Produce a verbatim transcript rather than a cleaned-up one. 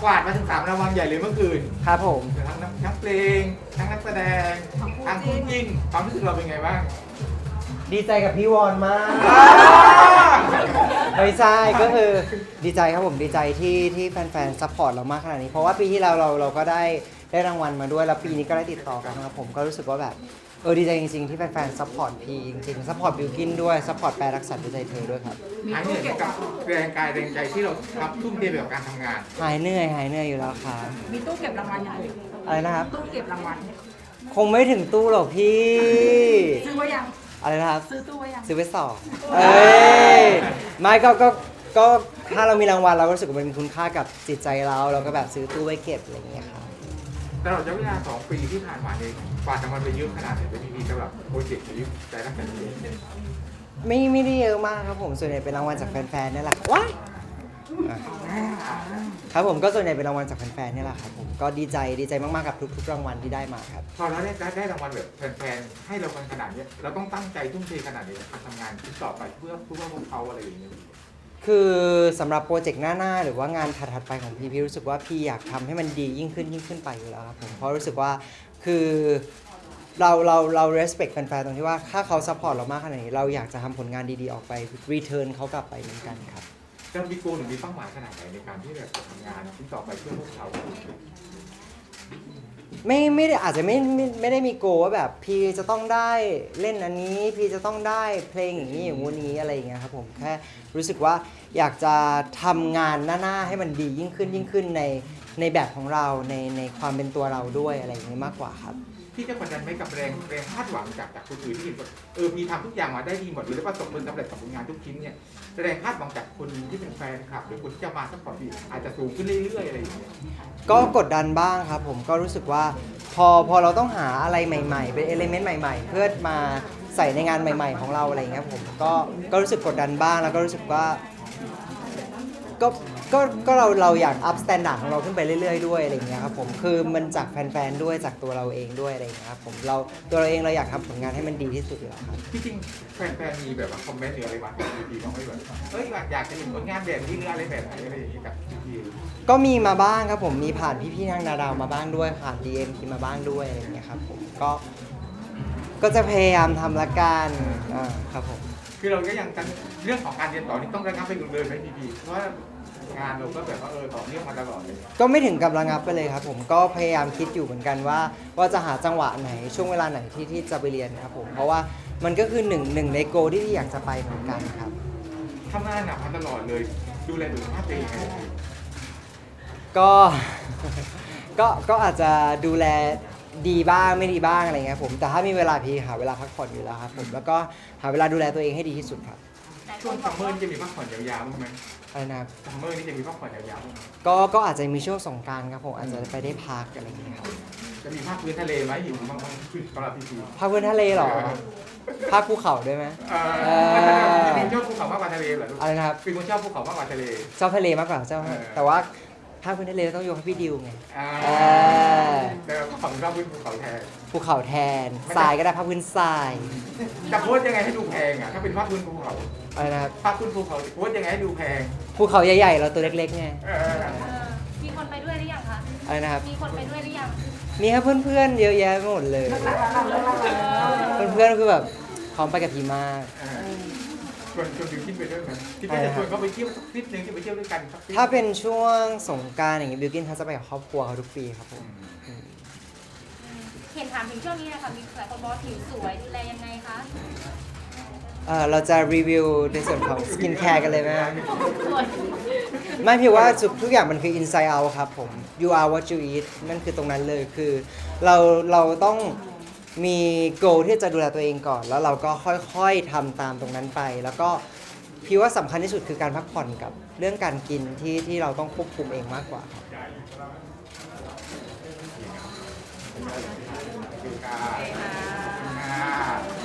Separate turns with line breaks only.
กวาดมาถึงสามรางวัลใหญ่เลยเมื่อคืน
ครับผม
ทั้งนักทั้งเพลงทั้งนักแสดงทั้งคู่จิ้นความรู้สึกเราเป็นไงบ้าง
ดีใจกับพี่วอนมากไม่ใช่ก็คือดีใจครับผมดีใจที่ที่แฟนๆซัพพอร์ตเรามากขนาดนี้เพราะว่าปีที่แล้วเราเราก็ได้ได้รางวัลมาด้วยแล้วปีนี้ก็ได้ติดต่อกันนะครับผมก็รู้สึกว่าแบบเออดีใจจริงๆที่แฟนๆซัพพอร์ตพีจริงๆซัพพอร์ตบิวกินด้วยซัพพอร์ตแปรรักษาด้วยใจเธอด้วยครับ
หายเหนื่อยกับแรงกายแรงใจที่เราทำทุ่มเทไปกับการทำงาน
หายเหนื่อยหายเหนื่อยอยู่แล้วครับ
มีตู้เก็บรางวัลยัง
อะไรนะครับ
ตู้เก็บรางวัล
คงไม่ถึงตู้หรอกพี่
ซื้อไว้ยัง
อะไรนะครับ
ซื้อตู้ไว้ยัง
ซื้อไปสองเอ้ยไม่ก็ก็ก็ถ้าเรามีรางวัลเราก็รู้สึกว่ามันมีคุณค่ากับจิตใจเราเราก็แบบซื้อตู้ไว้เก็บอะไรอย่างเงี้ยครับ
ตลอดระยะเวลาสองปีที่ผ่านมาเองกว่าจะมันไปเยอะขนาดไหนเป็นพีสำหรับโปรเจกต์ชีวิตแต่ละคนนี้
ไม่ไม่ได้เยอะมากครับผมส่วนใหญ่เป็นรางวัลจากแฟนๆนี่แหละว้ายอ่ะครับผมก็ส่วนใหญ่เป็นรางวัลจากแฟนๆนี่แหละครับผมก็ดีใจดีใจมากๆกับทุกๆรางวัลที่ได้มาครับ
พอเราได้ได้รางวัลแบบแฟนๆให้เรากันขนาดนี้เราต้องตั้งใจทุ่มเทขนาดนี้ในการทำงานที่ต่อไปเพื่อเพื่อพวกเขาอะไรอย่างเงี้ย
คือสำหรับโปรเจกต์หน้าๆหรือว่างานถัดๆไปของพี่พี่รู้สึกว่าพี่อยากทำให้มันดียิ่งขึ้นยิ่งขึ้นไปอยู่แล้วครับผมเพราะรู้สึกว่าคือเราเราเรา respect แฟนๆตรงที่ว่าถ้าเขา support เรามากขนาดนี้เราอยากจะทำผลงานดีๆออกไป return เขากลับไปเหมือนกันครับ
จะมีโกลหรือมีเป้าหมายขนาดไหนในการที่แบบจะทำงานที่ต่อไปเพื่อพวกเขา
ไม่ไม่ได้อาจจะไม่ไม่ไม่ได้มีโกว่าแบบพี่จะต้องได้เล่นอันนี้พี่จะต้องได้เพลงอย่างนี้อย่างงู้นนี้อะไรอย่างเงี้ยครับผมแค่รู้สึกว่าอยากจะทำงานหน้าๆให้มันดียิ่งขึ้นยิ่งขึ้นในในแบบของเราในในความเป็นตัวเราด้วยอะไรอย่างนี้มากกว่าครับ
ที่จะกดดันไหมกับแรงแรงคาดหวังจากจากคนอื่นที่เห็นว่าเออพี่ทำทุกอย่างมาได้ดีหมดเลยแล้วประสบผลสำเร็จกับผลงานทุกชิ้นเนี่ยแรงคาดหวังจากคนที่เป็นแฟนคลับหรือคนที่จะมาซัพพอร์ตพี่อาจจะสูงขึ้นเรื่อยๆอะไรอย่างเงี้ย
ก็กดดันบ้างครับผมก็รู้สึกว่าพอพอเราต้องหาอะไรใหม่ๆ เป็นเอลิเมนต์ใหม่ๆ เพื่อมาใส่ในงานใหม่ ๆของเราอะไรอย่างเงี้ยผมก็ก็รู้สึกกดดันบ้างแล้วก็รู้สึกว่าก็ก็ก็เราเราอยากอัพสแตนดาร์ดของเราขึ้นไปเรื่อยๆด้วยอะไรอย่างเงี้ยครับผมคือมันจากแฟนๆด้วยจากตัวเราเองด้วยอะไรอย่างเงี้ยครับผมเราตัวเราเองเราอยากทำผลงานให้มันดีที่สุดอยู่แล้วครับ
ที่จริงแฟนๆมีแบบว่าคอมเมนต์หรืออะไรมาดีๆบ้างไหมแบบเฮ้ยอยากจะเห็นผลงานแบบนี้หรืออะไรแบบไหนอะไรอย่างเงี้ยกับพี่
ก็มีมาบ้างครับผมมีผ่านพี่ๆทางนาดาวมาบ้างด้วยผ่าน ดี เอ็ม ทีมาบ้างด้วยอะไรอย่างเงี้ยครับผมก็ก็จะพยายามทำละกันอ่าครับผม
คือเราก็ยังกันเรื่องของการเรียนต่อนี่ต้องระงับไปเลยไหมพี่ๆเพราะว่างานเราก็แบบว่าเออต่อเนื่องมาตลอดเลย
ก็ไม่ถึงกับระงับไปเลยครับผมก็พยายามคิดอยู่เหมือนกันว่าว่าจะหาจังหวะไหนช่วงเวลาไหนที่ที่จะไปเรียนครับผมเพราะว่ามันก็คือหนึ่งหนึ่งในโกที่ที่อยากจะไปเหมือนกันครับ
ทำงานหนักมาตลอดเลยดูแลสุขภาพตัวเองไง
ก็ ก็ก็อาจจะดูแลดีบ้างไม่ดีบ้างอะไรเงี้ยผมแต่ถ้ามีเวลาพี่หาเวลาพักผ่อนอยู่แล้วครับผมแล้วก็หาเวลาดูแลตัวเองให้ดีที่สุดครับ
ช่วงซัมเมอร์นี่จะมีพักผ่อนยาวๆบ้างไหม
อะไรนะครับ
ซัมเมอร์นี่จะมีพักผ่อนยาวๆบ้างไหม
ก็ก็อาจจะมีช่วงสงกรานต์ครับผมอาจจะไปได้พักอะไรอย่างเงี้ยครับ
จะมีภาคพื้นทะเลไหมอยู่บางบางพื้นสำหรับพี่พี
พักบนทะเลเหรอพักภูเขาด้วยไหม
เออพี่ชอบภูเขามากกว่าทะเลเหรอลูก
อะไรนะครับ
เป็นคนชอบภูเขามากกว่าทะเล
ชอบทะเลมากกว่าเจ้า
เออ
แต่ว่าภาคพื้นทะเลต้องยกให้พี่ดิวไง
อ่า
เออ
แต่ฝั่งชอบพื้นภูเขาแทน
ภูเขาแทนทรายก็ได้ภาคพื้นทราย
จะโพสยังไงให้ดูแพงอ่ะถ้าเป็นภาคพื้นภูเขา
อะไรนะครับ
ภาคพื้นภูเขาโพสยังไงให้ดูแพง
ภูเขาใหญ่ๆ เราตัวเล็กๆไง
เออ
เออมีคนไปด้วยหรือยังคะ
อะไรนะครับ
มีคนไปด้วยหรือยัง
มีครับเพื่อนๆเยอะแยะไปหมดเลย เพื่อนๆคือแบบพร้อมไปกับพี่มาก
เออชวนชวนบิวกินไปด้วยไหมที่พี่จะชวนเขาไปเที่ยวสักทริปหนึงที่ไปเที่ยวด้วยกันสักทริป
ถ้าเป็นช่วงสงกรานต์อย่างเงี้ยบิวกินเขาจะไปกับครอบครัวเขาทุกปีครับผม
เห็นถามถึงช่วงนี้นะคะมีหลายคนบอกว่าผิวสวยดูแลยังไงคะ
เอ่อเราจะรีวิวในส่วนของสกินแคร์กันเลยไหมครับ
สวย
ไม่พี่ว่าทุกทุกอย่างมันคือ inside out ครับผม you are what you eat นั่นคือตรงนั้นเลยคือเราเราต้องมี goal ที่จะดูแลตัวเองก่อน แล้วเราก็ค่อยๆทำตามตรงนั้นไป แล้วก็พี่ว่าสำคัญที่สุดคือการพักผ่อนกับเรื่องการกินที่ที่เราต้องควบคุมเองมากกว่าครับ
คือการอ่า